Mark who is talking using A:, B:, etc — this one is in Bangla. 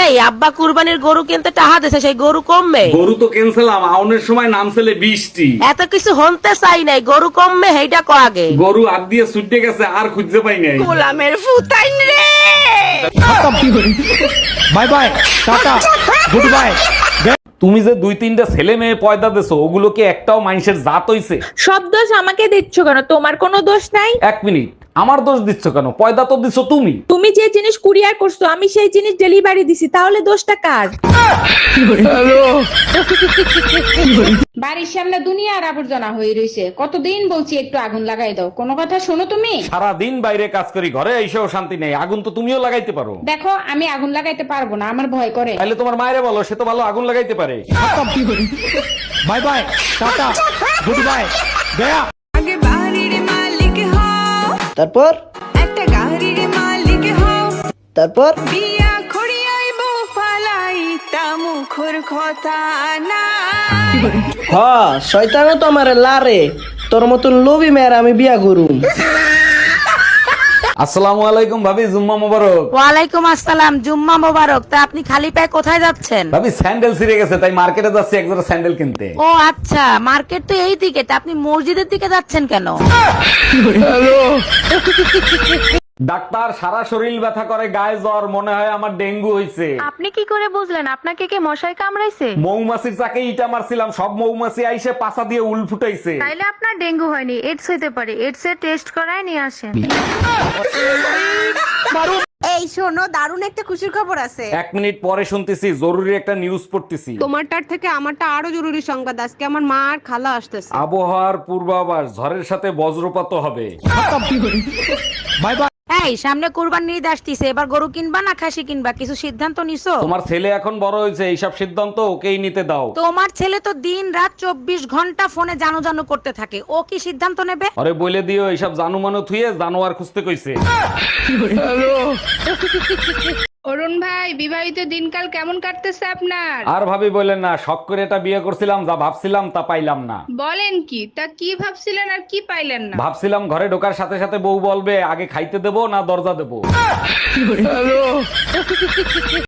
A: এই আব্বা কুরবানির গরু কিনতে টাকা দিছে, সেই গরু কমবে?
B: গরু তো ক্যান্সেলাম, আউনের সময় নাম ছেলে 20টি।
A: এত কিছু হনতে চাই নাই, গরু কমবে সেইটা কো আগে।
B: গরু হাত দিয়ে ছুটে গেছে, আর খুঁজতে পাই নাই।
A: গোলামের ফুতাইন রে।
C: Bye bye, tata, goodbye.
B: তুমি যে 2-3টা ছেলে মেয়ে পয়দা দিছো, ওগুলো কি একটাও মানুষের জাত হইছে?
D: সব দোষ আমাকে দিচ্ছ কেন? তোমার কোনো দোষ নাই।
B: 1 মিনিট, আমার দোষ দিচ্ছ কেন? পয়দা তো দিছো তুমি।
D: তুমি যে জিনিস কুরিয়ার করছো আমি সেই জিনিস ডেলিভারি দিছি, তাহলে দোষটা কার?
E: বাড়ির সামনে দুনিয়ার আবর্জনা হয়ে রয়েছে, কতদিন বলছি একটু আগুন লাগাই দাও, কোনো কথা শোনো তুমি?
B: সারা দিন বাইরে কাজ করি, ঘরে এসেও শান্তি নেই। আগুন তো তুমিও লাগাইতে পারো।
E: দেখো আমি আগুন লাগাইতে পারবো না, আমার ভয় করে।
B: তাহলে তোমার মায়েরে বলো, সে তো ভালো আগুন লাগাইতে পারে।
C: Bye bye, tata, goodbye, গয়া।
F: আগে বাড়ির মালিক হও,
G: তারপর
F: একটা গাড়ির মালিক হও,
G: তারপর
F: বিয়া করিয়াইব ফালাই তা মুখর কথা না।
G: হ শয়তানও তো আমার লারে, তোর মতন লোভী মেয়ের আমি বিয়া করুম।
B: আসসালামু আলাইকুম ভাবি, জুম্মা মোবারক।
A: ওয়ালাইকুম আসসালাম, জুম্মা মোবারক। তা আপনি খালি পায়ে কোথায় যাচ্ছেন?
B: ভাবি স্যান্ডেল ছিঁড়ে গেছে, তাই মার্কেটে যাচ্ছি এক জোড়া স্যান্ডেল কিনতে।
A: ও আচ্ছা, মার্কেট তো এই দিকে, তা আপনি মসজিদের দিকে যাচ্ছেন কেন?
B: ডাক্তার, সারা শরীর ব্যথা করে, গায়ে জ্বর, মনে হয় আমার ডেঙ্গু হইছে।
H: আপনি কি করে বুঝলেন? আপনাকে কি মশাই কামড়াইছে?
B: মৌমাছির চাকে ইটা মারছিলাম, সব মৌমাছি আইসে পাছা দিয়ে উল ফুটাইছে।
H: তাইলে আপনার ডেঙ্গু হয়নি, এডস হইতে পারে। এডস এর টেস্ট করায় নিয়ে আসেন।
I: এই শোনো, দারুণ একটা খুশির খবর আছে।
B: 1 মিনিট পরে শুনতেছি, জরুরি একটা নিউজ পড়তেছি।
I: তোমারটার থেকে আমারটা আরো জরুরি সংবাদ। আজকে আমার মা আর খালা আসতেছে।
B: আবহাওয়ার পূর্বাভাস, ঝড়ের সাথে বজ্রপাত হবে।
C: Bye bye.
A: এই সামনে কুরবানি ঈদ আসতিছে, এবার গরু কিনবা না খাসি কিনবা, কিছু সিদ্ধান্ত নিছো?
B: তোমার ছেলে এখন বড় হয়েছে, এইসব সিদ্ধান্ত ওকেই নিতে দাও।
A: তোমার ছেলে তো দিন রাত 24 ঘন্টা ফোনে জানো জানো করতে থাকে, ও কি সিদ্ধান্ত নেবে?
B: আরে বলে দিও, এইসব জানুমানো থুয়ে জানোয়ার খুঁজতে কইছে।
E: অরুণ ভাই, বিবাহিত দিনকাল কেমন কাটতেছে আপনার?
B: আর ভাবি বললেন না, শখ করে এটা বিয়ে করছিলাম, যা ভাবছিলাম তা পাইলাম না।
E: বলেন কি? তা কি ভাবছিলেন আর কি পাইলেন না?
B: ভাবছিলাম ঘরে ঢোকার সাথে সাথে বউ বলবে, আগে খাইতে দেবো না দরজা দেবো।